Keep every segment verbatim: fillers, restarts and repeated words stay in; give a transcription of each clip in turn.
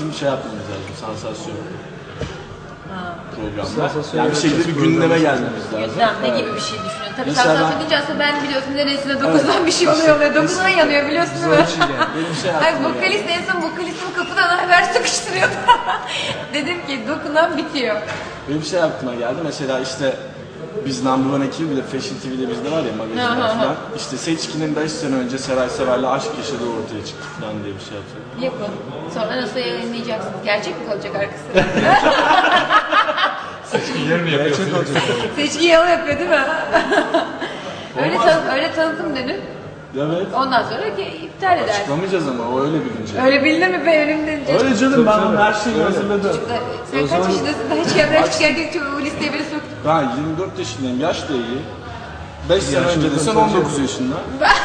bizim şey yapmamız lazım, sansasyon. Ha. Programda. Yani bir şekilde bir gündeme gelmemiz lazım. Gündem ne gibi bir şey düşünüyorsun? Tabii Mesela sansasyon ben- deyince aslında ben biliyorsun neresine dokuzdan bir şey oluyor oluyor. dokuzuna yanıyor biliyorsun değil mi? Benim şey Hayır, aklıma vokalist geldi. en son vokalistimi kapıdan haber sıkıştırıyordu. Dedim ki dokunan bitiyor. Benim bir şey aklıma geldi. Mesela işte biz Number One ekibi, bir de Fashion T V'de bizde var ya magazinler Hı hı hı. falan. İşte Seçkin'in beş sene önce Seray Sever'le aşk yaşadığı ortaya çıktı falan diye bir şey yapsak. Yapın. Sonra nasıl yayınlayacaksınız? Gerçek mi kalacak arkası? Seçkiler mi yapıyorsun? Seçki yalı yapıyor değil mi? öyle, tan öyle tanıtım denir. Evet. Ondan sonra ki iptal edersin. Açıklamayacağız ama o öyle bir gün. Öyle bildi mi be önümden? Öyle canım, ben onun her şeyi hazırladım. Sen kaç yaşındasın? Daha hiç evden çıkarken çok o listeye biri soktu. Ben yirmi dört yaşındayım, yaş da iyi. beş sene önce desen on dokuz yaşında.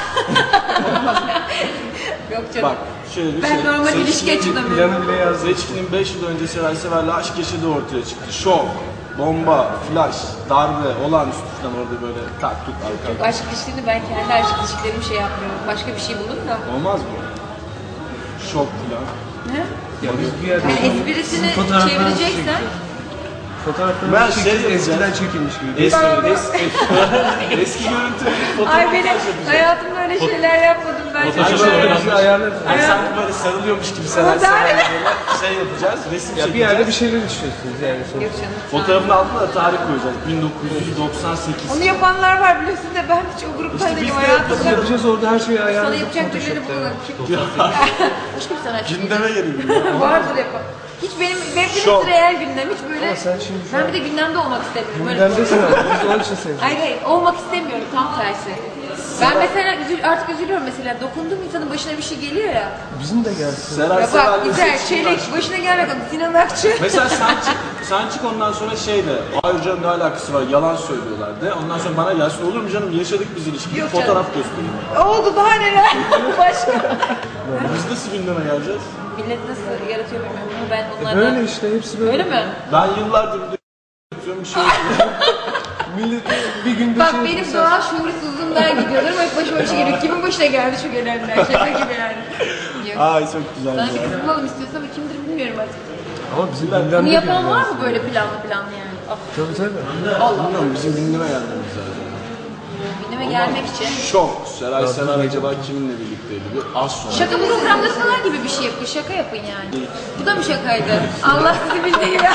Yok canım. Bak şöyle bir Ben şey. normal Seçkin'in- ilişki açılamıyorum. Planı bile yazdı. Seçkin'in beş yıl önce Seray Sever'le aşk yaşadığı ortaya çıktı. Şok, bomba, flash, darbe, olağanüstü falan orada böyle tak tut arka. Aşk ilişkilerini ben kendi aşk ilişkilerimi şey yapmıyorum. Başka bir şey bulun da. Olmaz mı? Şok falan. Ne? Ya biz bir yerde Yani esprisini çevireceksen fotoğrafları Ben bir şey şekilde yapacağım. eskiden çekilmiş gibi. Eski, eski, eski görüntü. ay benim hayatımda öyle şeyler yapmadım ben. Acaba Şöyle öyle bir ayarlar. Yani sanki böyle sarılıyormuş gibi Seray Ama Sever'le böyle şey yapacağız, resim Ya bir çekeceğiz. yerde bir şeyler düşünüyorsunuz yani sonuçta. Yok canım. Fotoğrafın altına da tarih koyacağız. bin dokuz yüz doksan sekiz. Onu yapanlar var biliyorsun da ben hiç o gruptan değilim biz de hayatımda. Yapacağız orada her şeyi Sana ayarladık. yapacak birileri Photoshop'ta. bulun. Başka bir sanatçı. Gündeme gelelim. Vardır yapan. Hiç benim, benim Şok. hepsi real gündem. Hiç böyle, Ama sen şimdi şu ben an- bir de gündemde olmak istemiyorum. Böyle Gündemdesin abi. Biz de onun için sevdik. Hayır hayır, olmak istemiyorum, tam tersi. Ben mesela üzül, artık üzülüyorum mesela, dokunduğum insanın başına bir şey geliyor ya. Bizim de gelsin. Seray Ya bak Sever'le güzel, Seçkin çelik, aşk. başına gelmek oldu, Sinan Akçı. Mesela sen çık, sen çık ondan sonra şey de, hayır canım ne alakası var, yalan söylüyorlar de. Ondan sonra bana gelsin, olur mu canım, yaşadık biz ilişkiyi, Yok fotoğraf canım. göstereyim. Oldu daha neler, başka. Biz nasıl gündeme geleceğiz? Millet nasıl yaratıyor bilmiyorum ama ben onlardan... Böyle işte hepsi böyle. Öyle mi? Ben yıllardır bir de bir şey yapıyorum. Milleti bir günde Bak şey benim yapıyorsa- doğal şuursuzluğumdan gidiyorlar ama hep başıma bir şey geliyor. Kimin başına geldi şu gelenler, şaka gibi yani. Yok. Ay çok güzel Sana bir ya. kız bulalım istiyorsan ama kimdir bilmiyorum artık. Ama bizim gündemde Bunu yapan değil var yani. mı böyle planlı planlı yani? Ah, Tabii tabii. Allah. Bilmiyorum, bizim gündeme gelmemiz lazım. Gündeme gelmek için. Şok, Seray Sever acaba kiminle birlikteydi? Bir az sonra. Şaka programdasalar gibi bir şey yapın, şaka yapın yani. Bu da mı şakaydı? Allah sizi bildiği gibi.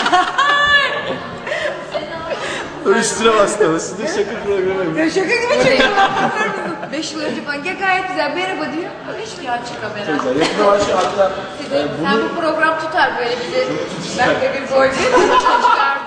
Üstüne bastı ama sizin şaka programı. Ya şaka gibi çekiyorlar. Beş yıl önce falan ya gayet güzel merhaba diyor. Hiç ya açık kamera. Güzel, yakında var şu hatta Size, sen bu program tutar böyle bizi. Ben de bir gol çıkar